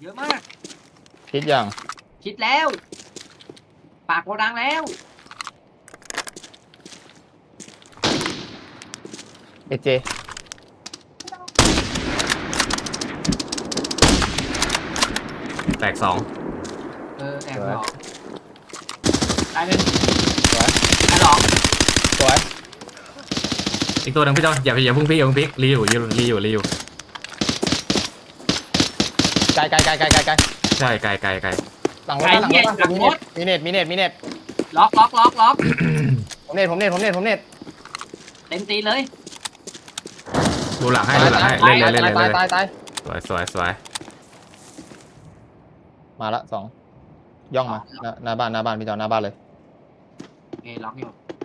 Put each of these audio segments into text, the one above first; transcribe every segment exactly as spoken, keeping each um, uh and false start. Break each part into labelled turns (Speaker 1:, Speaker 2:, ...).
Speaker 1: เยอะมาก
Speaker 2: คิดยัง
Speaker 1: คิดแล้วปากโกดังแล้ว
Speaker 2: เอเจ
Speaker 3: แตกสอง
Speaker 1: เออแอบหลอกตายหนึ่ง
Speaker 2: สวย
Speaker 1: ตายหลอก
Speaker 2: สวย
Speaker 3: อีกตัวหนึ่งพี่จอนอย่าอย่าพุ่งพี่อย่าพุ่งพี่รีอยู่รีอยู่รีอยู่รีอยู่
Speaker 2: ไกลไกลไกลไกลไกลไกล
Speaker 3: ใช่ไกลไกลไกล
Speaker 2: หลังรถหลังรถมีเน็ตมีเน็ตมีเน็ตมีเน็ต
Speaker 1: ล็อกล็อกล็อกล็อก
Speaker 2: ผมเน็ตผมเน็ตผมเน็ตผมเน็ต
Speaker 1: เต็มตีเลย
Speaker 3: ดูหลังให้ดูหลังให้เล่นเลยเล่นเลย
Speaker 2: ตาย
Speaker 3: เล่น
Speaker 2: ตาย
Speaker 3: เลย
Speaker 2: ตาย
Speaker 3: สวยสวยสวย
Speaker 2: มาละสองย่องมาหน้าหน้าบ้านหน้าบ้านพี่จอหน้าบ้านเลย
Speaker 1: เอล็อกอยู่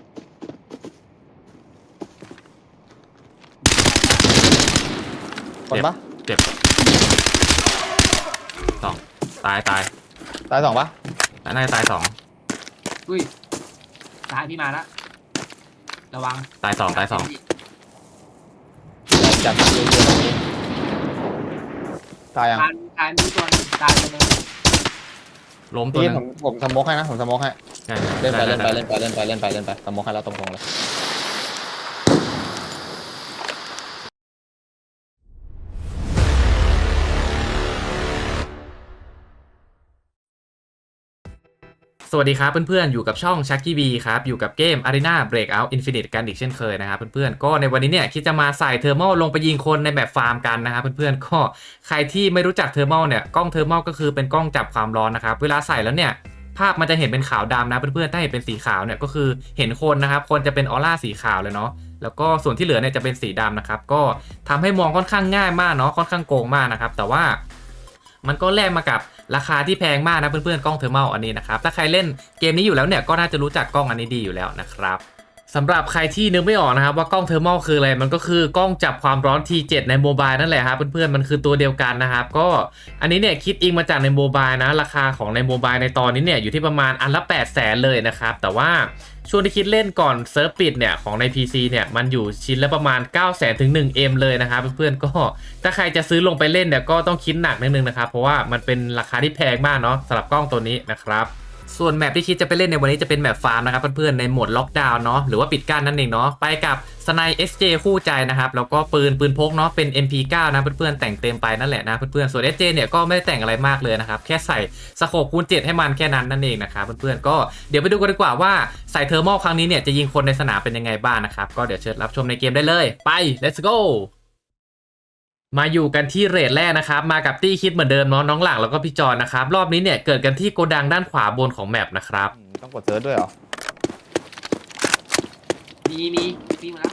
Speaker 2: คนปะ
Speaker 3: เจ็บสองตายตาย
Speaker 2: ตายสองปะ
Speaker 3: น่าจะตายสอง
Speaker 1: อุ้ยตายพี่มาละระวัง
Speaker 3: ตายสองตายสอง
Speaker 2: จับตัวตัวนี้ตายยัง
Speaker 1: ตายตายมีตัวนึงตายตัวนึง
Speaker 3: ล้มตัว
Speaker 2: พี่
Speaker 3: นึง
Speaker 2: ผมผมสโมกให้นะผมสโมกให้
Speaker 3: ใช่
Speaker 2: เล่นไป
Speaker 3: ได้
Speaker 2: เล่นไป
Speaker 3: ได้
Speaker 2: เล่นไปเล่นไปเล่นไปเล่นไปสโมกให้แล้วตรงๆเลย
Speaker 3: สวัสดีครับเพื่อนๆอยู่กับช่อง Chucky B ครับอยู่กับเกม Arena Breakout Infinite กันอีกเช่นเคยนะครับเพื่อนๆก็ในวันนี้เนี่ยคิดจะมาใส่เทอร์มอลลงไปยิงคนในแบบฟาร์มกันนะครับเพื่อนๆก็ใครที่ไม่รู้จักเทอร์มอลเนี่ยกล้องเทอร์มอลก็คือเป็นกล้องจับความร้อนนะครับเวลาใส่แล้วเนี่ยภาพมันจะเห็นเป็นขาวดำนะเพื่อนๆถ้าเห็นเป็นสีขาวเนี่ยก็คือเห็นคนนะครับคนจะเป็นออร่าสีขาวเลยเนาะแล้วก็ส่วนที่เหลือเนี่ยจะเป็นสีดำนะครับก็ทำให้มองค่อนข้างง่ายมากเนาะค่อนข้างโกงมากนะครับแต่ว่ามันก็แลกมากับราคาที่แพงมากนะเพื่อนๆกล้องเทอร์มอลอันนี้นะครับถ้าใครเล่นเกมนี้อยู่แล้วเนี่ยก็น่าจะรู้จักกล้องอันนี้ดีอยู่แล้วนะครับสำหรับใครที่นึกไม่ออกนะครับว่ากล้องเทอร์มอลคืออะไรมันก็คือกล้องจับความร้อน ที เซเว่น ในโมบายนั่นแหละครับเพื่อนๆมันคือตัวเดียวกันนะครับก็อันนี้เนี่ยคิดอิงมาจากในโมบายนะราคาของในโมบายในตอนนี้เนี่ยอยู่ที่ประมาณอันละแปดแสนเลยนะครับแต่ว่าช่วงที่คิดเล่นก่อนเซิร์ฟปิดเนี่ยของใน พี ซี เนี่ยมันอยู่ชิ้นละประมาณ เก้าแสน ถึง หนึ่ง เอ็ม เลยนะครับเพื่อนๆก็ถ้าใครจะซื้อลงไปเล่นเนี่ยก็ต้องคิดหนักนิดนึงนะครับเพราะว่ามันเป็นราคาที่แพงมากเนาะสำหรับกล้องตัวนี้นะครับส่วนแมปที่คิดจะไปเล่นในวันนี้จะเป็นแมปฟาร์มนะครับเพื่อนๆในโหมดล็อกดาวน์เนาะหรือว่าปิดกั้นนั่นเองเนาะไปกับสไน เอส เจ คู่ใจนะครับแล้วก็ปืนปืนพกเนาะเป็น เอ็ม พี ไนน์ นะเพื่อนๆแต่งเต็มไปนั่นแหละนะเพื่อนๆส่วน เอส เจ เนี่ยก็ไม่ได้แต่งอะไรมากเลยนะครับแค่ใส่สโคปคูณเจ็ดให้มันแค่นั้นนั่นเองนะครับเพื่อนๆก็เดี๋ยวไปดูกันดีกว่าว่าใส่เทอร์มอลครั้งนี้เนี่ยจะยิงคนในสนามเป็นยังไงบ้างนะครับก็เดี๋ยวเชิญรับชมในเกมได้เลยไป let's goมาอยู่กันที่เรทแรกนะครับมากับตี้คิดเหมือนเดิมเนาะน้องหลังแล้วก็พี่จอนนะครับรอบนี้เนี่ยเกิดกันที่โกดังด้านขวาบนของแมปนะครับ
Speaker 2: ต้องกดเซิร์ชด้วยเหรอ
Speaker 1: มีมีตีมาแล้ว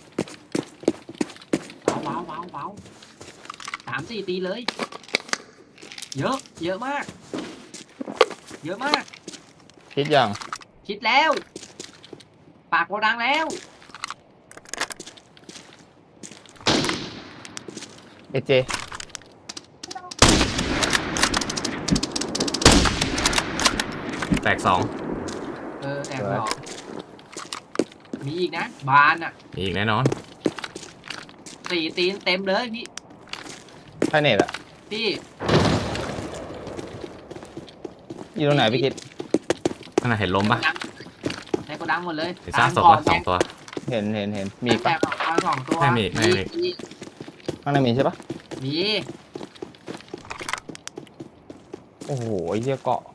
Speaker 1: ว้าวว้าวว้าวสามสี่ตีเลยเยอะเยอะมากเยอะมาก
Speaker 2: คิดยัง
Speaker 1: คิดแล้วปากโกดังแล้ว
Speaker 2: เอเจ
Speaker 3: แตกสอง
Speaker 1: เออแอบหลอกมีอีกนะบานอ่ะ
Speaker 3: มีอีกแน่นอน
Speaker 1: สี่ตีนเต็มเลยพี่
Speaker 2: ใช่เน็ตอะ
Speaker 1: พี่
Speaker 2: อยู่ตรงไหนพี่คิด
Speaker 3: ข้างในเห็นล้มปะ
Speaker 1: ในโกดังหมดเลย
Speaker 3: เห็นซากศพปะสองตัว
Speaker 2: เห็นเห็นเห็นมีปะ
Speaker 1: สองตัว
Speaker 3: ไม่มีไม่มี
Speaker 2: ข้างในมีใช่ปะ
Speaker 1: มี
Speaker 2: โอ้โหไอ้เหี้ยเกาะ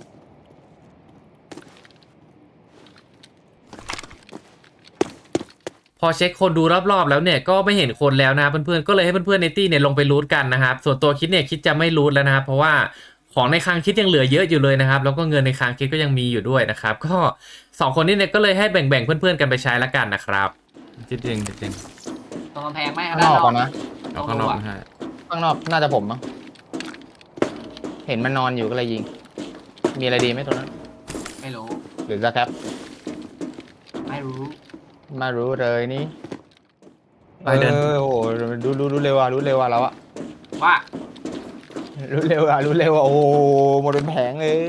Speaker 3: พอเช็คคนดูรอบๆแล้วเนี่ยก็ไม่เห็นคนแล้วนะครับเพื่อนๆก็เลยให้เพื่อนๆในตี้เนี่ยลงไปรูทกันนะครับส่วนตัวคิดเนี่ยคิดจะไม่รูทแล้วนะครับเพราะว่าของในคลังคิดยังเหลือเยอะอยู่เลยนะครับแล้วก็เงินในคลังคิดก็ยังมีอยู่ด้วยนะครับก็สองคนนี้เนี่ยก็เลยให้แบ่งๆเพื่อนๆกันไปใช้ละกันนะครับจริงๆจริง
Speaker 1: ตรงกำแพงไหม
Speaker 2: ข้างนอกก่อนนะ
Speaker 3: ๆเอาข้างนอกไม่ใช่
Speaker 2: ข้างนอกน่าจะผมมั้งเห็นมันนอนอยู่ก็เลยยิงมีอะไรดีไหมตรงนั้น
Speaker 1: ไม่รู้
Speaker 2: หรือจะแคป
Speaker 1: ไม่รู้
Speaker 2: มารู้เลยนี่
Speaker 3: ไปเดิน
Speaker 2: โอ้โหรู้รู้รู้เร็วอ่ะรู้เร็วอ่ะแล้วอ่ะ
Speaker 1: ว่า
Speaker 2: รู้เร็วอ่ะรู้เร็วอ่ะโอ้หมดเป็นแผงเลย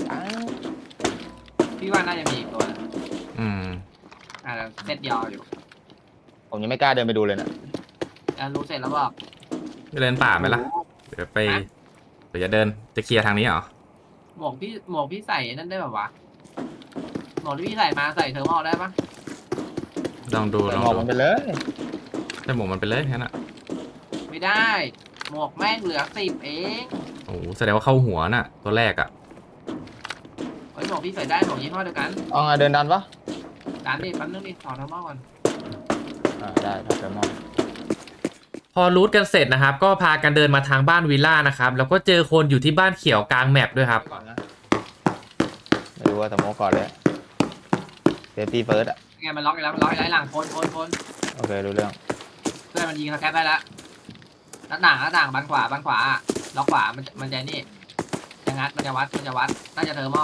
Speaker 1: พี่ว่าน่าจะมีอีกตัวนะ
Speaker 3: อืม
Speaker 1: อ่าเซตยาวอยู่
Speaker 2: ผมยังไม่กล้าเดินไปดูเลยนะ
Speaker 1: อ่ารู้เสร็จแล้วบอก
Speaker 3: ไปเดินป่าไหมล่ะเดี๋ยวไปเดี๋ยวจะเดินจะเคลียร์ทางนี้เหรอ
Speaker 1: หมวกพี่หมวกพี่ใส่นั่นได้แบบวะหมวกที่พี่ใส่มาใส่เทอร์โมได้ปะ
Speaker 3: ลองดู
Speaker 2: ใส่
Speaker 3: ลอง
Speaker 2: หมอก
Speaker 3: ดู
Speaker 2: มันไปเลย
Speaker 3: ใส่หมวกมันไปเลยแค่นั้นอะ
Speaker 1: ไม่ได้หมวกแม่งเหลือสิบเอง
Speaker 3: โอ้โหแสดงว่าเข้าหัวน่ะ ตัวแรกอะ
Speaker 1: เฮ้ยหมวกพี่ใส่ได้หมวกยี่ห้อเดียวกัน
Speaker 2: เอาไงเดินดันปะ
Speaker 1: ร้านดิแป๊บนึงดิถอดเทอร์โมก่อน
Speaker 2: อ่าได้ครับเดินมอง
Speaker 3: พอรูทกันเสร็จนะครับ ก็พากันเดินมาทางบ้านวิลล่านะครับ แล้วก็เจอคนอยู่ที่บ้านเขียวกลางแมปด้วยครับ
Speaker 2: ก่อนนะไม่รู้ว่าสโมกก่อนเลยเซฟตี้เฟิร์สอ่ะ
Speaker 1: ไงมันล็อกอีกแล้วมันล็อกอีกแล้วหลังคนคนคน
Speaker 2: โอเครู้เรื่อง
Speaker 1: เพื่อนมันยิงสแคปได้แล้วหน้าต่างหน้าต่างบานขวาบานขวาล็อกขวามันมันจะนี่จะงัดมันจะวัดมันจะวัดน่าจะเทอร์โม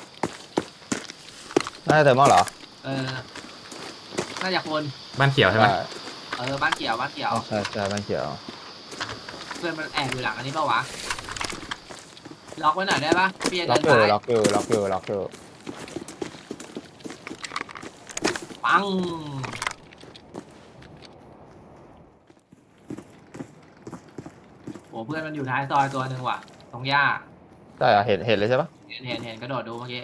Speaker 2: น่าจะเติมมอเหรอ
Speaker 1: เออน่าจะคน
Speaker 3: บ้านเขียวใช่ไหม
Speaker 1: เออบ้านเขียวบ้านเขียว
Speaker 2: อ๋อใช่ใช่บ้านเขียว
Speaker 1: เพื่อนมันแอบอยู่หลังอันนี้เปล่าวะล็อกไว้หน่อยได้ปะพี่จะ
Speaker 2: ล็
Speaker 1: เดิ
Speaker 2: อก
Speaker 1: น
Speaker 2: อยู่
Speaker 1: ซ้าย
Speaker 2: ล็อกอยู่ล็อกอยู่ล็อกอยู่
Speaker 1: ปังโอ้เพื่อนมันอยู่ท้ายซอยตัวหนึ่งว่ะตรงหญ้า
Speaker 2: ใช่เหรอเห็นเห็นเลยใช่ปะ
Speaker 1: เห็นเห็นเห็นกระโดดดูเมื่อกี้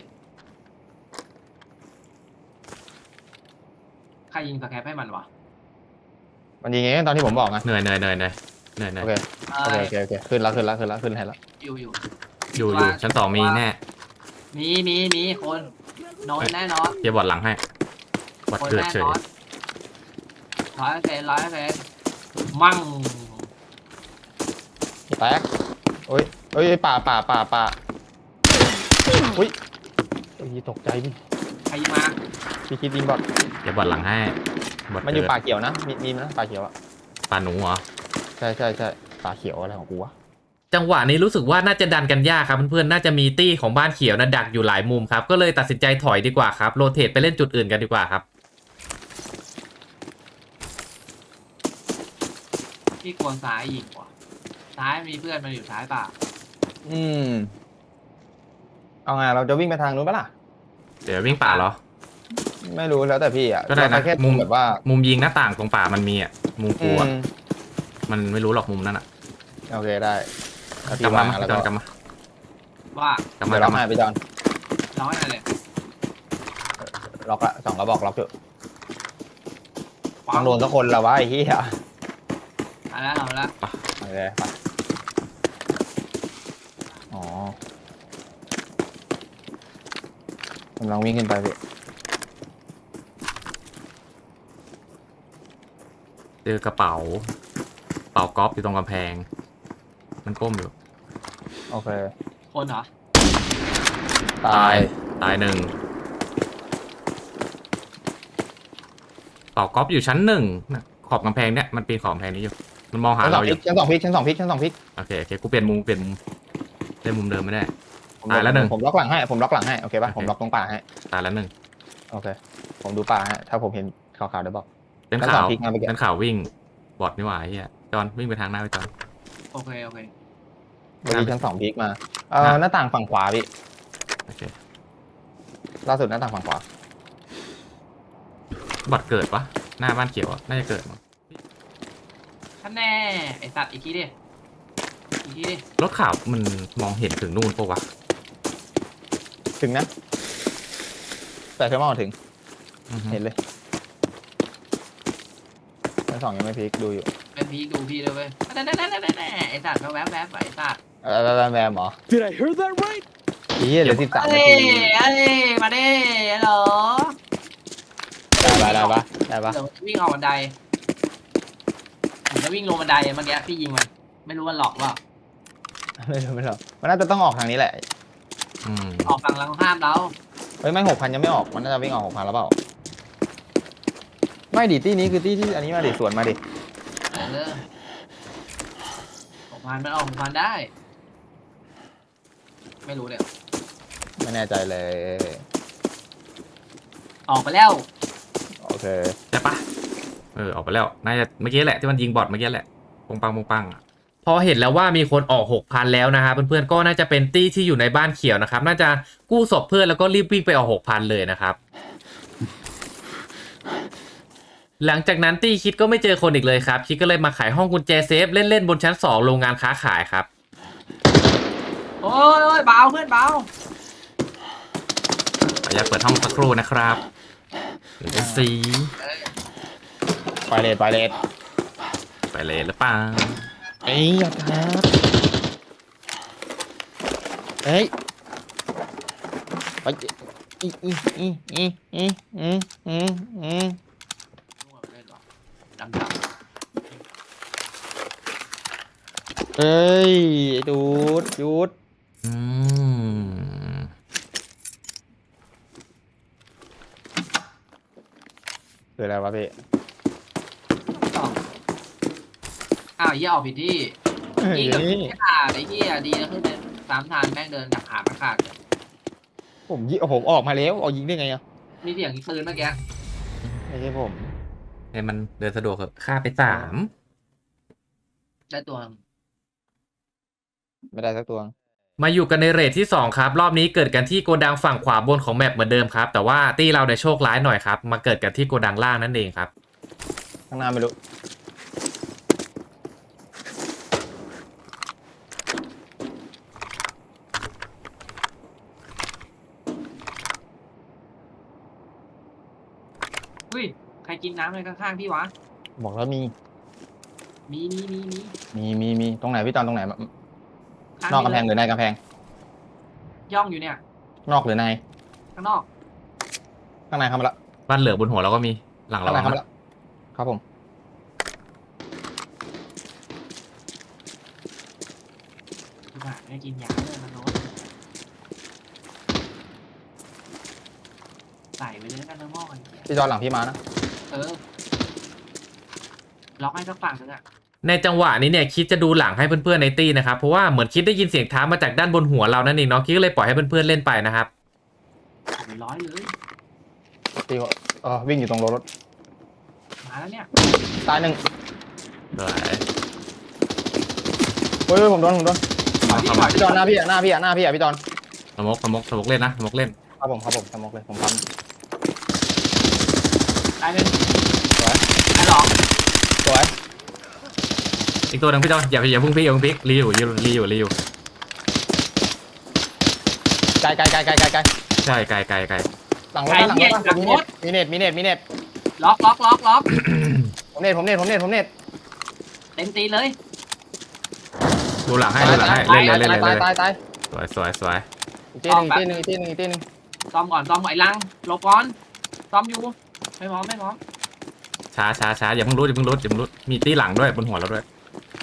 Speaker 1: ใครยิงสแคปให้มันวะ
Speaker 2: มันยิงเองตอนที่ผมบอกไง
Speaker 3: เหนื่อยเหนื่อยเหนื่อยเหนื่อยเหนื่อยเหนื่อย
Speaker 2: โอเค
Speaker 1: เอ
Speaker 2: โอ
Speaker 1: อ
Speaker 2: เคโอเคโอเคขึ้นแล้วขึ้นแล้วขึ้นแล้วขึ้นให้แล้ว
Speaker 1: อยู่อยู่
Speaker 3: อยู่อยู่ชั้นสองมีแน่
Speaker 1: มีมีมีคนโนนแน่นอน
Speaker 3: เกียร์บอร์ดหลังให้บอร์ด
Speaker 1: คน
Speaker 3: เกิด
Speaker 1: แน่
Speaker 3: เฉย
Speaker 1: นอนร้อยเปอร์เซ็นต์ร้อยเปอร์เซ็นต์มั่ง
Speaker 2: แตกโอ้ยโอ้ยป่าป่าป่าป่าอุ้ยโอ้ยตกใจพี่
Speaker 1: ใครยิงมา
Speaker 2: พี่คิดยิงบอล
Speaker 3: เกียร์บอร์ดหลังให้บอร์ด
Speaker 2: มันอยู่
Speaker 3: เกิด
Speaker 2: ป่าเขียวนะมีมีนะป่าเขียวอะ
Speaker 3: ป่าหนูเหรอ
Speaker 2: ใช่ใช่ใช่ป่าเขียวอะไรของกูวะ
Speaker 3: จังหวะนี้รู้สึกว่าน่าจะดันกันยากครับเพื่อนๆน่าจะมีตี้ของบ้านเขียวนะดักอยู่หลายมุมครับก็เลยตัดสินใจถอยดีกว่าครับโรเตทไปเล่นจุดอื่นกันดีกว่าครับ
Speaker 1: พี่กวนซ้ายยิงว่ะซ้ายมีเพื่อนมันอยู่ซ้ายป่า
Speaker 2: อืมเอาไงเราจะวิ่งไปทางนู้นปะล่ะ
Speaker 3: เดี๋ยววิ่งป่าเหรอ
Speaker 2: ไม่รู้แล้วแต่พี่อ่ะ
Speaker 3: ก็ได้นะ
Speaker 2: เราแค่มุมแบบว่า
Speaker 3: มุมยิงหน้าต่างตรงป่ามันมีอ่ะมุม
Speaker 2: อื
Speaker 3: กู
Speaker 2: ม
Speaker 3: อ่ะมันไม่รู้หรอกมุมนั้นอ่ะ
Speaker 2: โอเคได้ถ้าก
Speaker 3: ลั
Speaker 2: พี่
Speaker 3: บมา
Speaker 2: ว่าง
Speaker 3: มา
Speaker 2: แล้ว
Speaker 3: จ
Speaker 2: ก็
Speaker 3: อนกลับมา
Speaker 1: ว่าก
Speaker 3: ลับมา
Speaker 2: เดี๋ยว
Speaker 3: ก
Speaker 2: ล็
Speaker 3: ลั
Speaker 2: อบ ก
Speaker 3: มา
Speaker 2: ให้พี่จอน
Speaker 1: ร้อยอะไรเลย
Speaker 2: ล็อกละสองกระบอกล็อกอยู่
Speaker 1: ปั
Speaker 2: ต้องโดนสักคนละวะไอ้เหี้ย
Speaker 1: มาแล้วเอาแล้ว
Speaker 2: โอเคไปอ๋อกำลังวิ่งขึ้นไปพี่
Speaker 3: เจอกระเป๋ากระเป๋ากอล์ฟอยู่ตรงกำแพง มันก้มอยู่
Speaker 2: โอเค
Speaker 1: คนเหรอ
Speaker 2: ตาย
Speaker 3: ตายหนึ่งกระเป๋ากอล์ฟอยู่ชั้นหนึ่งนะขอบกำแพงเนี่ยมันปีนขอบกำแพงนี้อยู่มันมองหา
Speaker 2: ชั้นสอ
Speaker 3: เรา
Speaker 2: ง
Speaker 3: อ
Speaker 2: พิ
Speaker 3: ยู่
Speaker 2: กชั้นสองพิกชั้นสองพิกชั้นสองพิก
Speaker 3: โอเคโอเคกูเปลี่ยนมุมเปลี่ยนมุมเล่นมุมเดิมไม่ได้
Speaker 2: ผม
Speaker 3: ตายแล้วหนึ่ง
Speaker 2: ผมล็อกหลังให้ผมล็อกหลังให้โอเคป่ะ
Speaker 3: โอเค
Speaker 2: ผมล็อกตรงป่าให้
Speaker 3: ตายแล้วหนึ่ง
Speaker 2: โอเคผมดูป่าให้ถ้าผมเห็นขาวๆเดี๋ยวบอก
Speaker 3: เป็น
Speaker 2: ชั้นส
Speaker 3: ข่า
Speaker 2: อง
Speaker 3: ว
Speaker 2: พลิกมาเมื่อกี้
Speaker 3: เป็นข่าววิ่งบอดนี่หว่าไอ้เฮียจอนวิ่งไปทางหน้าไปจอน
Speaker 1: โอเคโอเค
Speaker 2: เมื่อกี้ชั้นสองพิกมาเอ่อ
Speaker 3: อ่ะ
Speaker 2: หน้าต่างฝั่งขวาพี่
Speaker 3: โอเค
Speaker 2: ล่าสุดหน้าต่างฝั่งขวา
Speaker 3: บอดเกิดปะหน้าบ้านเขียวอะน่าจะเกิดมั้ง
Speaker 1: ท่านแน่ไอสัตว์อีกทีดิอีกทีดิ
Speaker 3: รถข่าวมันมองเห็นถึงนู่นปะวะ
Speaker 2: ถึงนะแต่เทอร์โมถึง
Speaker 3: อือฮึ
Speaker 2: เห็นเลยชั้นสองยังไม่พลิกดูอยู่
Speaker 1: เป็นพีคดูพี่เลยเว้ยแน่แน่แน่แน่แน่ไอสัตว์แวบแวบไอสัตว์
Speaker 2: เออแวมแวมเหรอ
Speaker 4: Did I hear that right?
Speaker 2: อีเหลือสิบสามนา
Speaker 1: เอ้ย
Speaker 2: ที
Speaker 1: เอ้ยมาดิฮัลโหล
Speaker 2: ได้ปะได้ปะได้ปะ
Speaker 1: เดี๋ยววิ่งออกบันไดผมจะวิ่งลงบันไดเมื่อกี้พี่ยิงมันไม่รู้มันหลอกว่า
Speaker 2: ไม่รู้ไม่รู้มันน่าจะต้องออกทางนี้แหละ
Speaker 3: อืม
Speaker 1: ออกฝั่งหลังข้ามเรา
Speaker 2: เฮ้ยไม่หกพันยังไม่ออกมันน่าจะวิ่งออกหกพันแล้วเปล่าไม่ดิตี้นี้คือตี้ที่อันนี้มาดิสวนมาดิ
Speaker 1: เออหกพันมันออกหกพันได้ ไม่รู้เลย
Speaker 2: ไม่แน่ใจเลย
Speaker 1: ออกไปแล้ว
Speaker 2: โอเค
Speaker 3: ใช่ปะเออออกไปแล้วน่าจะเมื่อกี้แหละที่มันยิงบอดเมื่อกี้แหละปงปังปงปังอะพอเห็นแล้วว่ามีคนออก หกพัน แล้วนะครับเพื่อนๆก็น่าจะเป็นตี้ที่อยู่ในบ้านเขียวนะครับน่าจะกู้ศพเพื่อนแล้วก็รีบวิ่งไปออก หกพัน เลยนะครับ หลังจากนั้นตี้คิดก็ไม่เจอคนอีกเลยครับคิดก็เลยมาขายห้องกุญแจเซฟเล่นๆบนชั้นสองโรงงานค้าขายครับ
Speaker 1: โอ้ยโอ้ยเบาเพื่อนเบา
Speaker 3: ขออนุญาตเปิดห้องสักครู่นะครับเดี๋ยวจะสี
Speaker 2: ไปเลทไปเลท
Speaker 3: ไปเลยหรือเปล่า
Speaker 2: เอ้ยอย่าทักเฮ้ยไปอีอีอีอีอีอีอีอี
Speaker 1: ดำด
Speaker 2: เฮ้ยหยุดหยุด
Speaker 3: อืม
Speaker 2: คืออะไรวะพี่
Speaker 1: ำต่ออ้าวเหี้ยออกผิดที่
Speaker 2: เฮ้ย
Speaker 1: ยิงกับไม่ขาดไอ้เหี้ยดีนะขึ้นเดินสามทางแม่งเดินกับขาไม่ขาด
Speaker 2: ผมยิงผมออกมาแล้วเอายิงได้ไงอ่ะ
Speaker 1: มีเสียงปืนเมื่อกี้
Speaker 2: ไม่ใช่ผม
Speaker 3: ให้มันเดินสะดวกเถอะค่าไปสาม
Speaker 1: ได้ตัว
Speaker 2: ไม่ได้สักตัว
Speaker 3: มาอยู่กันในเรทที่สองครับรอบนี้เกิดกันที่โกดังฝั่งขวาบนของแมปเหมือนเดิมครับแต่ว่าตี้เราเนี่ยโชคร้ายหน่อยครับมาเกิดกันที่โกดังล่างนั่นเองครับ
Speaker 2: ข้างหน้าไม่รู้
Speaker 1: อุ้ยใครกินน้ำอะไรข้างๆพี่วะ
Speaker 2: บอกแล้วมี
Speaker 1: มีมีมีมี
Speaker 2: มีมีมีตรงไหนพี่ตอนตรงไหน
Speaker 1: ข้าง
Speaker 2: นอกกำแพงห
Speaker 1: เล
Speaker 2: รื
Speaker 1: ย
Speaker 2: อในกำแพง
Speaker 1: ย่องอยู่เนี่ย
Speaker 2: นอกหรือใน
Speaker 1: ข้างนอก
Speaker 2: ข้างในเข้ามาละ
Speaker 3: บ้านเหลือบนหัวเราก็มีหลัง
Speaker 2: ข้า
Speaker 3: เรา
Speaker 2: งในเข้ามา
Speaker 3: นะ
Speaker 2: ละครับผม
Speaker 1: ดีกว่าไม่กินยาเลยมันโน้ตใส่ไปเลยกันเนื้อหม้อไอ้เหี้ย
Speaker 2: พี่จอนหลังพี่มานะ
Speaker 1: เออล็อกให้สักฝั่งนึงอ่ะ
Speaker 3: ในจังหวะนี้เนี่ยคิดจะดูหลังให้เพื่อนๆในตี้นะครับเพราะว่าเหมือนคิดได้ยินเสียงเท้ามาจากด้านบนหัวเรานั่นเองเนาะคิดก็เลยปล่อยให้เพื่อนๆเล่นไปนะครับ
Speaker 1: เป็นร้อยเลย
Speaker 2: พี่ว่าเออวิ่งอยู่ตรงรถ
Speaker 1: มาแล้วเนี่ย
Speaker 2: ตายหนึ่ง
Speaker 3: สวย
Speaker 2: เฮ้ยผมโดนผมโดน
Speaker 1: ปล่อยพี่ปล่อย
Speaker 2: พี่จอนหน้าพี่อ่ะหน้าพี่อ่ะหน้าพี่อ่ะพี่จอน
Speaker 3: สมกสมกสมกเล่นนะสมกเล่น
Speaker 2: ครับผมครับผมสมกเลยผมปั๊ม
Speaker 1: ตายหนึ่ง
Speaker 2: สวย
Speaker 1: ตายสอง
Speaker 2: สวย
Speaker 3: อีกตัวหนึงพี่จอนอย่าอย่าเพุ่งพลิกอย่าเพุ่งพลิกรีอยู่รีอยู่รีอยู่รีอยู่
Speaker 2: ไกลไกลไกลไกลไกลไกล
Speaker 3: ใช่ไกลไกลไกล
Speaker 2: หลังรถนะหลังรถนะมีเน็ตมีเน็ตมีเน็ตมีเน็ต
Speaker 1: ล็อกล็อกล็อกล็อก
Speaker 2: ผมเน็ตผมเน็ตผมเน็ตผมเน็ต
Speaker 1: เต็มตีนเลย
Speaker 3: ดูหลังให้ดูหลังให้เล่นเลยเล่นเลย
Speaker 2: ตา
Speaker 3: เล่
Speaker 2: ย
Speaker 3: นเล
Speaker 2: ตาย
Speaker 3: ย
Speaker 2: ตาย
Speaker 3: สวยสวยสวย
Speaker 2: อีกที่หนึ่งอีกที่หนึ่งอีกที่หนึ่งอีกที่หนึ่ง
Speaker 1: ซ่อมก่อนซ่อมก่อนไอ้ลังหลบก่อนซ่อมอยู่ไม่พร้อมไม่พร้อม
Speaker 3: ช้าช้าช้าอย่าเพิ่งรุดอย่าเพิ่งรุดอย่าเพิ่งรุดมีตีหลังด้วยบนหัวเราด้วย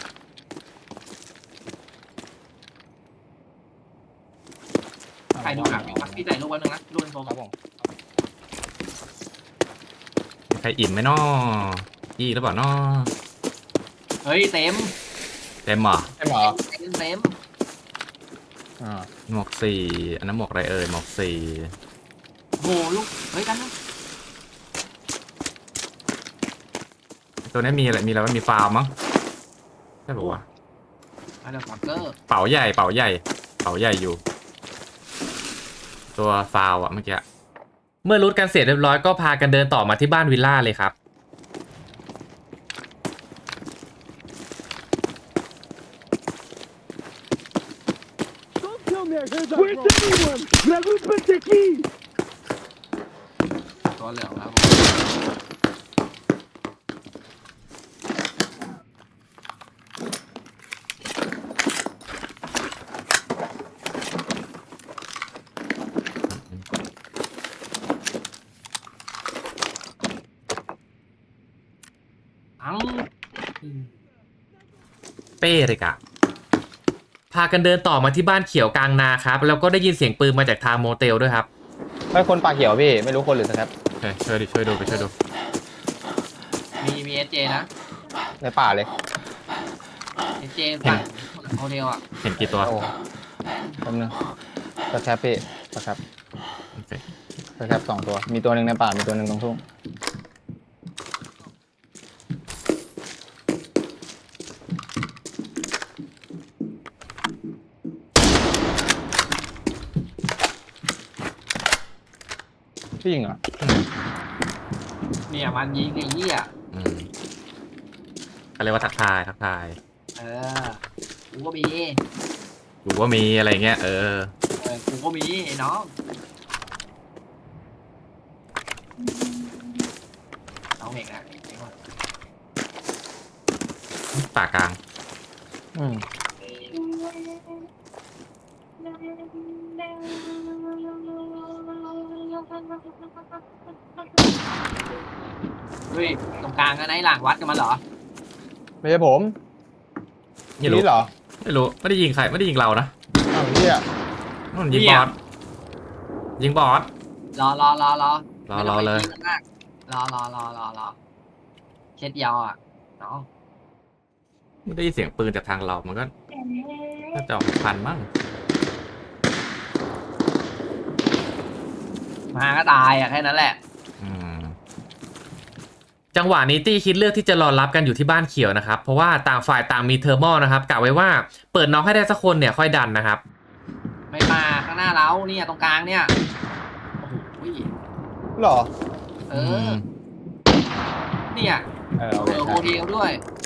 Speaker 1: ใครดูหนังอยู่วะพี่ใส่ลูกไว้หนึ่งนะลูกเป็นโฟม
Speaker 2: ครับผม
Speaker 3: มีใครอิ่มไหมน้อยี่หรือเปล่าน้อ
Speaker 1: เฮ้ยเต็ม
Speaker 3: เต็มเหรอ
Speaker 2: ใช่หมอ
Speaker 1: เต็มเต็ม
Speaker 2: อ่า
Speaker 3: หมวกสี่อันนั้นหมวกอะไรเอ่ยหมวกสี่
Speaker 1: โหลูกเฮ้ยกันนะ
Speaker 3: ตัวนี้มีอะไรมีอะไรว่ามีฟาวมั้งใช่ป่าวะ
Speaker 1: มาเดี๋ยวฟักเกอร์
Speaker 3: เป๋าใหญ่เป๋าใหญ่เป๋าใหญ่อยู่ ตัวฟาวอะเมื่อกี้เมื่อรูทกันเสร็จเรียบร้อยก็พากันเดินต่อมาที่บ้านวิลล่าเลยครับ
Speaker 4: Where's everyone? Dragul Perteki!
Speaker 1: ตัวเหลืองแล้วอัง
Speaker 3: เป้เลยกะพากันเดินต่อมาที่บ้านเขียวกลางนาครับแล้วก็ได้ยินเสียงปืนมาจากทางโมเตลด้วยครับ
Speaker 2: เฮ้ยคนปากเขียวพี่ไม่รู้คนหรือสแครป
Speaker 3: เฮ้ยช่วยดิช่วยดูไปช่วยดู
Speaker 1: มีมีเอสเจนะ
Speaker 2: ในป่าเลย
Speaker 1: เอสเจฝั่งโฮเทลอ่ะ
Speaker 3: เห็นกี่ตัว
Speaker 2: โอ้แป๊บนึงสแครปพี่สแครป
Speaker 3: โอเค
Speaker 2: สแครปสองตัวมีตัวหนึ่งในป่ามีตัวหนึ่งตรงทุ่งพี่ยิงเหรอ
Speaker 1: เนี่ยมันยิงไอ้เหี้ย
Speaker 3: อืมเขาเรียกว่าทักทายทักทาย
Speaker 1: เออกูก็มี
Speaker 3: กูว่ามีอะไรเงี้ยเออ
Speaker 1: เออกูก็มีไอ้น้องน้องเอกนะ
Speaker 3: ป่ากลาง
Speaker 2: อืม
Speaker 1: เฮ้ยตรงกลางกันไหนหลังวัดกันมาเหรอ
Speaker 2: ไม่ใช่ผม
Speaker 3: ไม่รู้
Speaker 2: นี่เหรอ
Speaker 3: ไม่รู้ไม่ได้ยิงใครไม่ได้ยิงเรานะ
Speaker 2: อ้าวเฮีย
Speaker 3: นู่นยิงบอสยิงบอส
Speaker 1: รอรอรอรอ
Speaker 3: รอรอเลย
Speaker 1: ไม่ต้องไปคิดมากรอรอรอรอรอเช็ดเดียวอ่ะน้อง
Speaker 3: ไม่ได้ยินเสียงปืนจากทางเรามันก็น่าจะออกพันมั้ง
Speaker 1: มาก็ตายอ่ะแค่นั้นแหละ
Speaker 3: อืมจังหวะนี้ตี้คิดเลือกที่จะรอรับกันอยู่ที่บ้านเขียวนะครับเพราะว่าต่างฝ่ายต่างมีเทอร์โมนะครับกะไว้ว่าเปิดน็อกให้ได้สักคนเนี่ยค่อยดันนะครับ
Speaker 1: ไม่มาข้างหน้าเราเนี่ยตรงกลางเนี่ยโอ้โห
Speaker 2: หรอ
Speaker 1: เออเนี่ย
Speaker 2: เออ
Speaker 1: เอ
Speaker 2: โอเค
Speaker 1: อโม
Speaker 2: ใช่
Speaker 1: เดลด้วย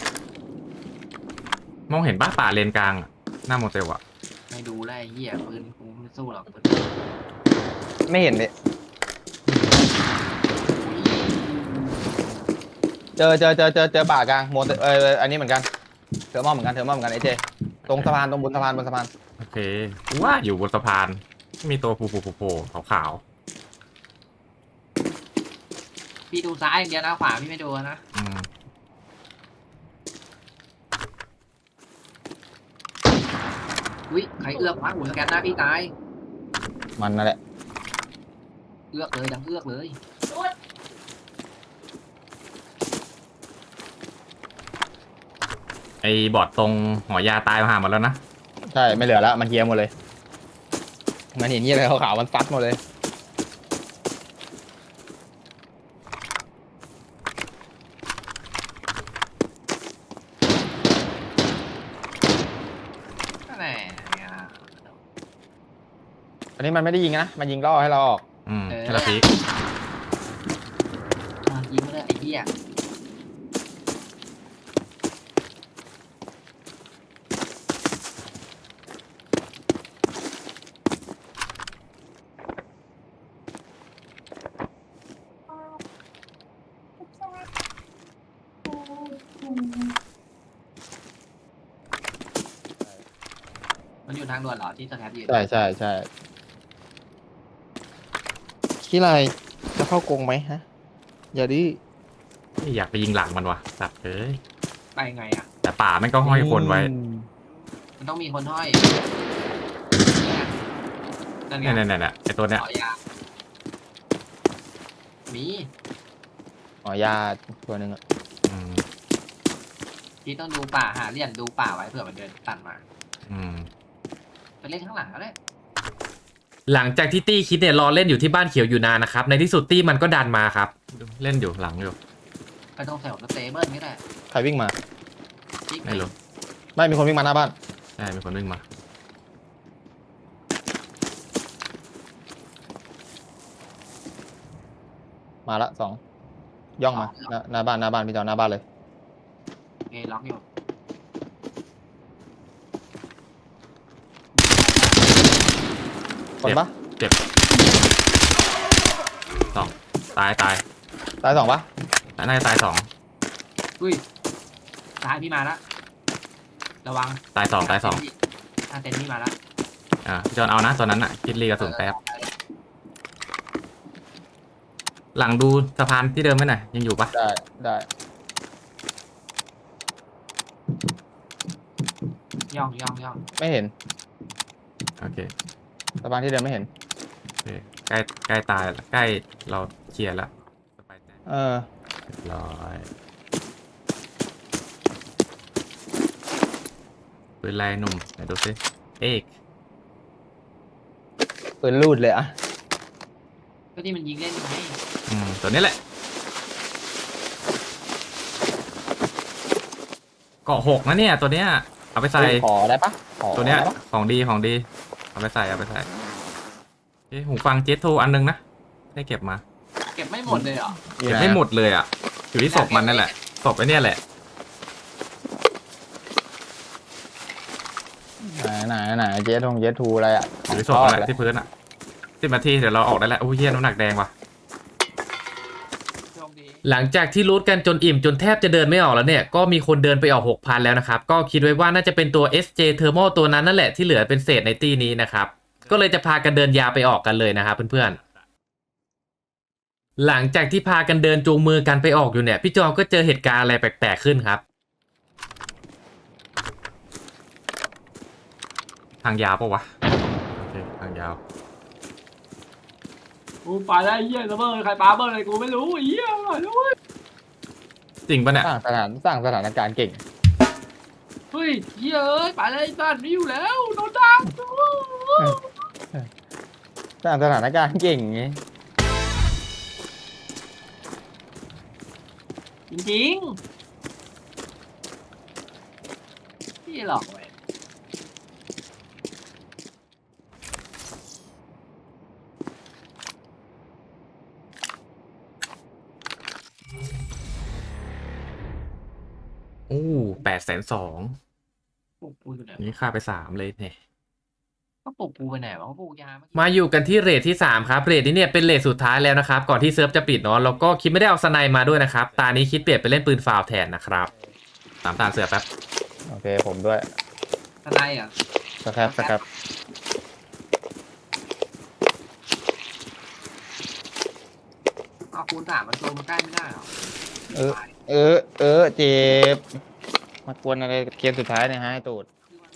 Speaker 3: มองเห็นป้าป่าเลนกลางอะหน้าโมเตลอะ
Speaker 1: ไม่ดูแล้วไอ้เหี้ยปืนกูไม่สู้หรอกปืน
Speaker 2: ไม่เห็นเลยเจอเจอเจอเจอเจอป่ากลางโมเตเอออันนี้เหมือนกันเทอร์มอลเหมือนกันเทอร์มอลเหมือนกันไอเจตรงสะพานตรงบนสะพานบนสะพาน
Speaker 3: โอเคว่าอยู่บนสะพานมีตัวผูผูผูขาว
Speaker 1: พี่ดูซ้ายอย่างเดียวนะขวาพี่ไม่ดูนะ
Speaker 3: ๆอืม
Speaker 1: อุ้ยใครเอื้อกวะหูสแกนหน้าพี่ตาย
Speaker 2: มันนั่นแหละ
Speaker 1: เอื้อกเลยดังเอื้อกเลย
Speaker 3: ไอ้บอดตรงหอยาตายมาหาหมดแล้วนะ
Speaker 2: ใช่ไม่เหลือแล้วมันเฮียหมดเลยมันเห็นนี่อะไรขาวๆมันฟัดหมดเลย
Speaker 1: นั่นแหละเนี่ย
Speaker 2: อันนี้มันไม่ได้ยิงนะมันยิงล่อให้เราออก
Speaker 3: อืมแค่ละพีก
Speaker 1: อ่ะยิงมาเลยไอ้เหี้ย มันอยู่ทางด่วนเหรอที่สแคปอยู่
Speaker 2: ใช่ใช่ใช่คิดอะไรจะเข้ากรงไหมฮะอย่าดิ
Speaker 3: อยากไปยิงหลังมันวะสัตว์เอ้ย
Speaker 1: ไปไงอ่ะ
Speaker 3: แต่ป่าแม่งก็ห้อยคนไว้
Speaker 1: มันต้องมีคนห้อยนั่นไง
Speaker 3: เนี่ยเนี่ยเนี่ยไอตัวเนี้ย
Speaker 1: ขอยามี
Speaker 2: อ๋อยาตัวหนึ่งอะ
Speaker 3: อืม
Speaker 1: พี่ต้องดูป่าหาเหลี่ยมดูป่าไว้เผื่อมันเดินตัดมา
Speaker 3: อืม
Speaker 1: ไปเล่นข้างหลังก็ได้
Speaker 3: หลังจากที่ตี้คิดเนี่ยรอเล่นอยู่ที่บ้านเขียวอยู่นานนะครับในที่สุดตี้มันก็ดันมาครับเล่นอยู่หลังอยู่
Speaker 1: ไปตรงแถวสเตเบิลนี่แหละ
Speaker 2: ใครวิ่งมา
Speaker 1: จิ๊ก
Speaker 3: ไม่รู้
Speaker 2: ไม่มีคนวิ่งมาหน้าบ้าน
Speaker 3: ใช่มีคนวิ่งมา
Speaker 2: มาละสองย่องมาหน้าหน้าบ้านหน้าบ้านพี่เจ้าหน้าบ้านเลย
Speaker 1: เอล็อกอยู่
Speaker 2: คนปะ
Speaker 3: สองตายตาย
Speaker 2: ตายสองปะ
Speaker 3: น่าจะตายสอง
Speaker 1: อุ้ยซ้ายพี่มาละระวัง
Speaker 3: ตายสองตายสอง
Speaker 1: ถ้าเต็นพี่มาละ
Speaker 3: อ่าพี่จอนเอานะตัวนั้นอ่ะคิดลีกระสุนแป๊บหลังดูสะพานที่เดิมไหมหน่อยยังอยู่ปะ
Speaker 2: ได้ได้
Speaker 1: ย่องย่องย่อง
Speaker 2: ไม่เห็น
Speaker 3: โอเค
Speaker 2: สะพานที่เดินไม่เห็น
Speaker 3: โอเคใกล้ใกล้ตายแล้วใกล้เราเคลียร์แล้วสบายใจ
Speaker 2: เออ
Speaker 3: เรียบร้อยปืนลายหนุ่มไหนดูสิเอก
Speaker 2: ปืนลูดเลยอะ
Speaker 1: ก็ที่มันยิงเล่นไง
Speaker 3: อืมตัวนี้แหละเกาะหกนะเนี่ยตัวเนี้ยเอาไปใส่
Speaker 2: ขอได้ปะขอ
Speaker 3: ตัวเนี้ย
Speaker 2: ได้ปะ
Speaker 3: ของดีของดีเอาไปใส่เอาไปใส่เอ้หูฟังเจสโทอันนึงนะได้เก็บมา
Speaker 1: เก็บไม่หมดเลยเหรอ
Speaker 2: อยู่
Speaker 3: เก็บ
Speaker 2: หน
Speaker 3: ไม่หมดเลยอ่ะอยู่ที่ศพมันนั่นแหละศพไอ้เนี่ยแหละ
Speaker 2: ไหนไหนไหนไหนเจทงเจทูอะไรอ่ะ
Speaker 3: หรือศพอะไรที่พื้นอ่ะสิบนาทีเดี๋ยวเราออกได้แล้วโอ้ยเฮียน้ำหนักแดงว่ะ
Speaker 1: โชคดี
Speaker 3: หลังจากที่รูทกันจนอิ่มจนแทบจะเดินไม่ออกแล้วเนี่ยก็มีคนเดินไปออก หกพัน แล้วนะครับก็คิดไว้ว่าน่าจะเป็นตัว เอส เจ Thermal ตัวนั้นนั่นแหละที่เหลือเป็นเศษในตีนี้นะครับก็เลยจะพากันเดินยาวไปออกกันเลยนะครับเพื่อนๆหลังจากที่พากันเดินจูงมือกันไปออกอยู่เนี่ยพี่จอมก็เจอเหตุการณ์อะไรแปลกๆขึ้นครับทางยาวปะวะโอเคทางยาว
Speaker 1: กูไปได้เหี้ยระเบิดใครปาเบิร์อะไรกูไม่รู้เหี้ยอร่อยด้วย
Speaker 3: จริงปะเนี่ย
Speaker 2: สร้างสถานสร้างสถานการณ์เก่ง
Speaker 1: เฮ้ยเหี้ยเอ้ยไปเลยบ้านนี้อยู่แล้วโดนดัง
Speaker 2: สร้างสถานการณ์เก่งไง
Speaker 1: จริงๆพี่หลอกเว้ย
Speaker 3: โอ้แปดแสนสอง
Speaker 1: ปลุกกูอยู่ไหน
Speaker 3: นี่ค่าไปสามเลยเนี่ย
Speaker 1: ก็ปลุกกูไปไหนวะก็ปลุกยาเมื่อกี้
Speaker 3: มาอยู่กันที่เรทที่สามครับเรทนี้เนี่ยเป็นเรทสุดท้ายแล้วนะครับก่อนที่เซิร์ฟจะปิดเนาะแล้วก็คิดไม่ได้เอาสไนมาด้วยนะครับตานี้คิดเปลี่ยนไปเล่นปืนฟาวแทนนะครับตามตาเสือแป๊บ
Speaker 2: โอเคผมด้วย
Speaker 1: อะไรอ่ะ
Speaker 2: สครับสครับ
Speaker 1: เอาคูณสามมันโจมมันใกล้ไม่ได้หรอ
Speaker 2: เออเออเออเจ็บมากวนอะไรเกมสุดท้ายเนี่ยฮะไอ้ตูด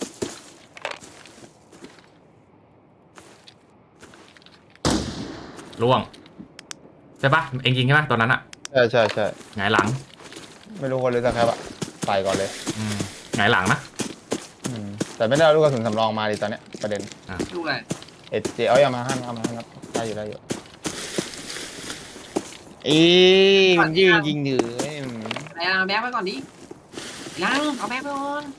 Speaker 3: ล่วงใช่ปะเองยิงใช่ปะตอนนั้นอะ
Speaker 2: ใช่ใช่ใช่
Speaker 3: หงายหลัง
Speaker 2: ไม่รู้คนเลยสครับอะไปก่อนเลย
Speaker 3: อืมหงายหลังนะ
Speaker 2: อืมแต่ไม่ได้เอาลูกกระสุนสำรองมาดิตอนเนี้ยประเด็น
Speaker 1: ดูอะไร
Speaker 2: เอเจเอาอย่ามาห้ามเอามาห้ามได้อยู่ได้อยู่อีมันยิงยิงเหนือ
Speaker 1: อะไรเอาแบ็คไปก่อนดิยังเอาแบ็คไปก่อน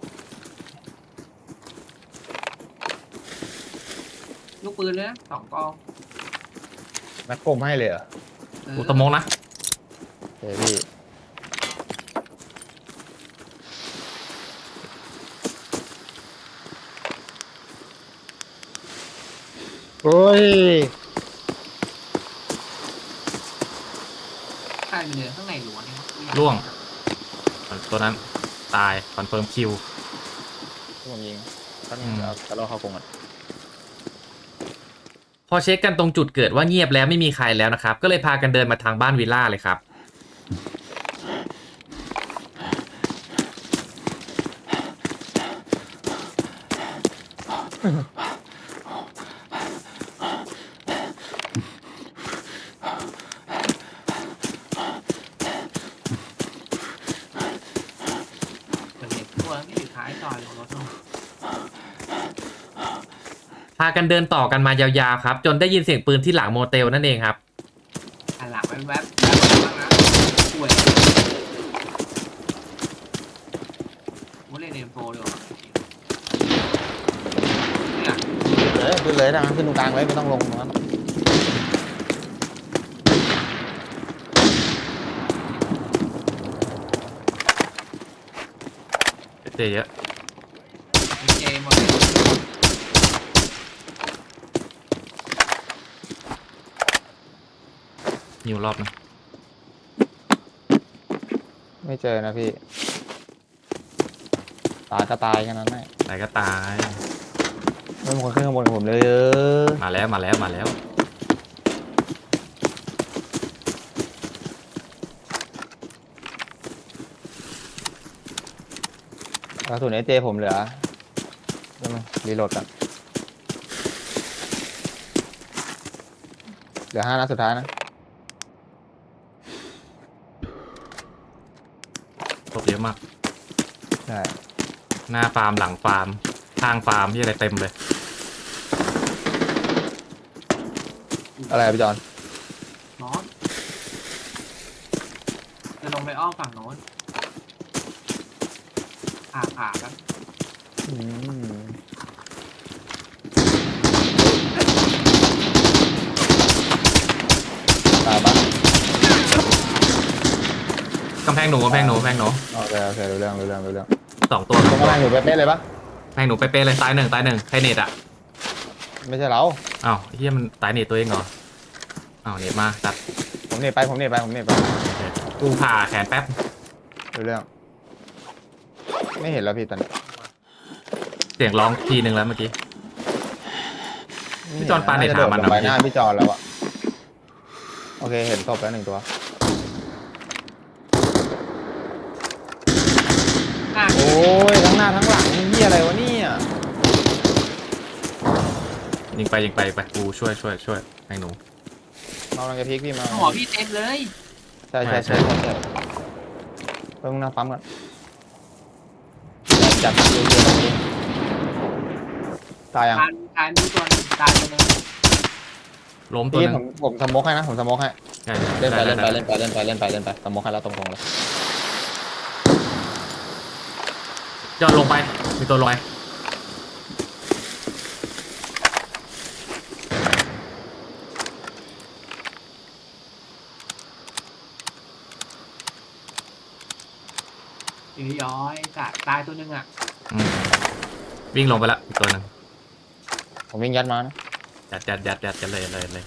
Speaker 1: ลูกปืนเลยนะสองกอง
Speaker 2: นักกลมให้เลยเหรอ
Speaker 1: เออ
Speaker 3: อุตโมงนะ
Speaker 2: เฮ้ยพี่โอ้ย
Speaker 1: ใช่ไปเลยข้างในหลวงนี่
Speaker 3: ล่วงตัวนั้นตายคอนเฟิร์มคิว
Speaker 2: ผมยิงตั้ง
Speaker 3: อืม
Speaker 2: เอาตะล่อเข้ากรงก่อน
Speaker 3: พอเช็คกันตรงจุดเกิดว่าเงียบแล้วไม่มีใครแล้วนะครับก็เลยพากันเดินมาทางบ้านวิลล่าเลยครับ
Speaker 1: เกิดเหตุตัวไม่อยู่ท้ายซอยของรถนู่น
Speaker 3: พากันเดินต่อกันมายาวๆครับจนได้ยินเสียงปืนที่หลังโมเตลนั่นเองครับ
Speaker 1: หันหลังไปแวบแวบบ้างนะป่วยกูเล่นเอ็มโฟดีกว่าเนี่ย
Speaker 2: เลยขึ้นเลยทางนั้นขึ้นตรงกลางเลยไม่ต้องลงตรงนั้น
Speaker 3: เจเยอะ
Speaker 1: เจหมดเลย
Speaker 3: นิวรอบนะ
Speaker 2: ไม่เจอนะพี่ตายก็ตายแค่นั้นแหละ
Speaker 3: ตายก็ตาย
Speaker 2: ไม่มีคนขึ้นข้างบนกับผมเลยเออ
Speaker 3: มาแล้วมาแล้วมาแล้ว
Speaker 2: กระสุนเอเจผมเหลือเดี๋ยวมารีโหลดกันเหลือห้านัดสุดท้ายนะ
Speaker 3: ศพเยอะมาก
Speaker 2: ใช่
Speaker 3: หน้าฟาร์มหลังฟาร์มข้างฟาร์มที่อะไรเต็มเลย
Speaker 2: อะไรอะพี่จอน
Speaker 1: นอนจะลงไปอ้อมฝั่งโน้นผ่าผ่าครับ
Speaker 2: อืมตายปะ
Speaker 3: กำแพงหนูกำแพงหนูกำแพงหนู
Speaker 2: โอเคโอเครู้เรื่องรู้เรื่องรู้เรื่อง
Speaker 3: สองตัว
Speaker 2: ตรงกำลังอยู่เป๊ะๆเลยปะ
Speaker 3: แม่งหนูไปเป๊ะเลยตายหนึ่งตายหนึ่งใครเน็ตอ่ะ
Speaker 2: ไม่ใช่เรา
Speaker 3: อ้าวเฮียมันตายเน็ตตัวเองเหรออ้าวเน็ตมาตัด
Speaker 2: ผมเน็ตไปผมเน็ตไปผมเน็ตไป
Speaker 3: กูผ่าแขนแป๊บ
Speaker 2: ดูเรื่อง ไม่เห็นแล้วพี่ตอนนี้
Speaker 3: เสียงร้องทีนึงแล้วเมื่อกี้ พี่จอนปาเน็ตหามัน
Speaker 2: จะโดดลงไป
Speaker 3: นะ
Speaker 2: หน้าพี่จอนแล้วอะโอเคเห็นศพแล้วหนึ่งตัว
Speaker 1: อ่ะ
Speaker 2: โอ้ยทั้งหน้าทั้งหลังนี่เหี้ยอะไรวะเนี่ย
Speaker 3: ยิงไปยิงไปไปกูช่วยช่วยช่วยให้หนู
Speaker 2: มากำลังจะพลิกพี่มา
Speaker 1: หัวพี่เต็มเลย
Speaker 2: ใช่ใช่ใช่ใช่ใช่เพิ่งนั่งปั๊มกันจับดูดูดูตายยัง
Speaker 1: ตายตายมีตัวหนึงตายตัวหนึง
Speaker 3: ล้มตัว
Speaker 2: พี่
Speaker 3: หนึ
Speaker 2: ผ
Speaker 3: ง
Speaker 2: มผมสโมกให้นะผมสโมกให้
Speaker 3: ใช่
Speaker 2: เล่นไป
Speaker 3: ได้
Speaker 2: เล่นไป
Speaker 3: ได้
Speaker 2: เล่นไปเล่นไปเล่นไปเล่นไปสโมกให้แล้วตรงๆเลย
Speaker 3: ยอดลงไปมีตัวลอย
Speaker 1: อีย้อยจัดตายตัวหนึงอ่ะ
Speaker 3: อืมวิ่งลงไปละอีกตัวหนึง
Speaker 2: ผมวิ่งยัดมานะ
Speaker 3: ยัดยัดยัดยัดกันเลยเลยเลย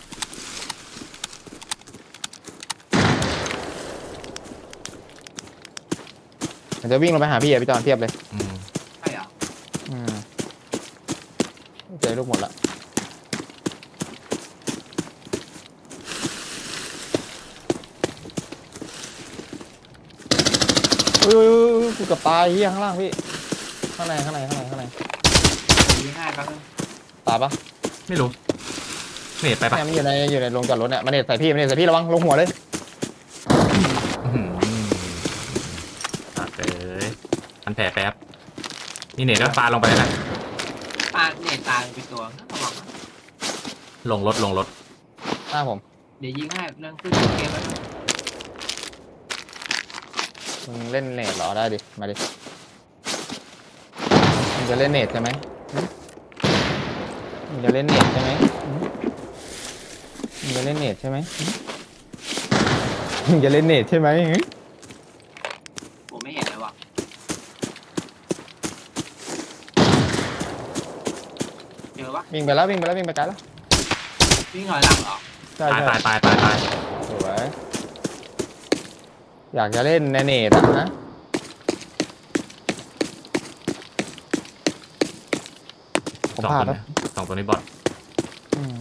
Speaker 2: ผมจะวิ่งลงไปหาพี่อะพี่จอนเทียบเลย
Speaker 3: อืม
Speaker 1: ใช่เหรอ
Speaker 2: อืมเจอลูกหมดละอุ้ยอุ้ยอุ้ยกูเกับตายเฮียข้างล่างพี่ข้างในข้างในข้างในข้างใน
Speaker 1: ยิงง่ายแป๊บนึง
Speaker 2: ตายปะ
Speaker 3: ไม่รู้เน็ตไปปะ
Speaker 2: เนี่ยมันอยู่ในอยู่ในโรงจอดรถเนี่ยมันเน็ตใส่พี่มันเน็ตใส่พี่ระวังลงหัวเลย
Speaker 3: อื้อหือตัดเลยมันแผลแป๊บนี่เน็ตก็ปาลงไปแล้วนะ
Speaker 1: ปาเนี่ยตายไปตัวระวังนะ
Speaker 3: ลงรถลงรถ
Speaker 2: หน้าผม
Speaker 1: เดี๋ยวยิงให้เรื่องขึ้นเกมแล้วนะ
Speaker 2: มึงเล่นเน็ตเหรอได้ดิมาดิมึงจะเล่นเน็ตใช่ไหมหึมึงจะเล่นเน็ตใช่ไหมหึมึงจะเล่นเน็ตใช่ไหมหึมึงจะเล่นเน็ตใช่ไหมหึ
Speaker 1: ผมไม่เห็นเลยว่ะเจอปะ
Speaker 2: วิ่งไปแล้ววิ่งไปแล้ววิ่งไปไกลแล้ว
Speaker 1: วิ่งหน่อยหลังเหรอ
Speaker 2: ใช่
Speaker 3: ตาย
Speaker 2: ใช่
Speaker 3: ตายตายตายตาย
Speaker 2: สวยอยากจะเล่นในเน็ตอะนะผม
Speaker 3: สอง
Speaker 2: พลา
Speaker 3: ตั
Speaker 2: ด
Speaker 3: ว
Speaker 2: แล้ว
Speaker 3: นี้สองตัวนี้บอท
Speaker 2: อืม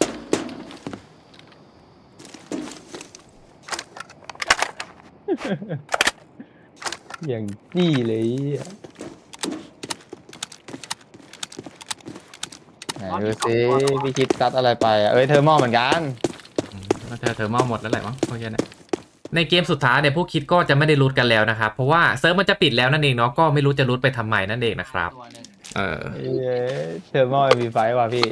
Speaker 2: อย่างจี้เลยอะไหนดูสิพี่คิดซัดอะไรไปอะเอ้ยเทอร์โมเหมือนกัน
Speaker 3: อืมแล้วเธอเธอเมาหมดแล้วแหละมั้งโอเคนะในเกมสุดท้ายเนี่ยพวกคิดก็จะไม่ได้รูทกันแล้วนะครับเพราะว่าเซิร์ฟมันจะปิดแล้วนั่นเองเนาะก็ไม่รู้จะรูทไปทำไมนั่นเองนะครับ
Speaker 1: ตัวหนึง
Speaker 3: เออ
Speaker 2: เอ้ยเทอร์โมมีไฟว่ะพี่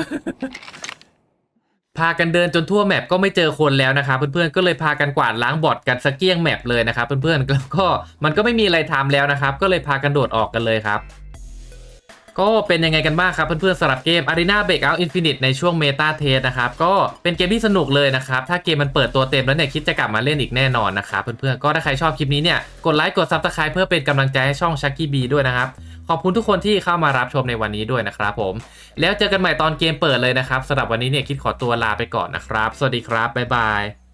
Speaker 3: พากันเดินจนทั่วแมปก็ไม่เจอคนแล้วนะครับเพื่อนๆก็เลยพากันกวาดล้างบอทกันสักเกี้ยงแมปเลยนะครับเพื่อนๆแล้วก็มันก็ไม่มีอะไรทำแล้วนะครับก็เลยพากันโดดออกกันเลยครับก็เป็นยังไงกันบ้างครับเพื่อนๆสำหรับเกม Arena Breakout Infinite ในช่วง Meta Test นะครับก็เป็นเกมที่สนุกเลยนะครับถ้าเกมมันเปิดตัวเต็มแล้วเนี่ยคิดจะกลับมาเล่นอีกแน่นอนนะครับเพื่อนๆก็ถ้าใครชอบคลิปนี้เนี่ยกดไลค์กด Subscribe เพื่อเป็นกำลังใจให้ช่อง Chucky B ด้วยนะครับขอบคุณทุกคนที่เข้ามารับชมในวันนี้ด้วยนะครับผมแล้วเจอกันใหม่ตอนเกมเปิดเลยนะครับสำหรับวันนี้เนี่ยคิดขอตัวลาไปก่อนนะครับสวัสดีครับบ๊ายบาย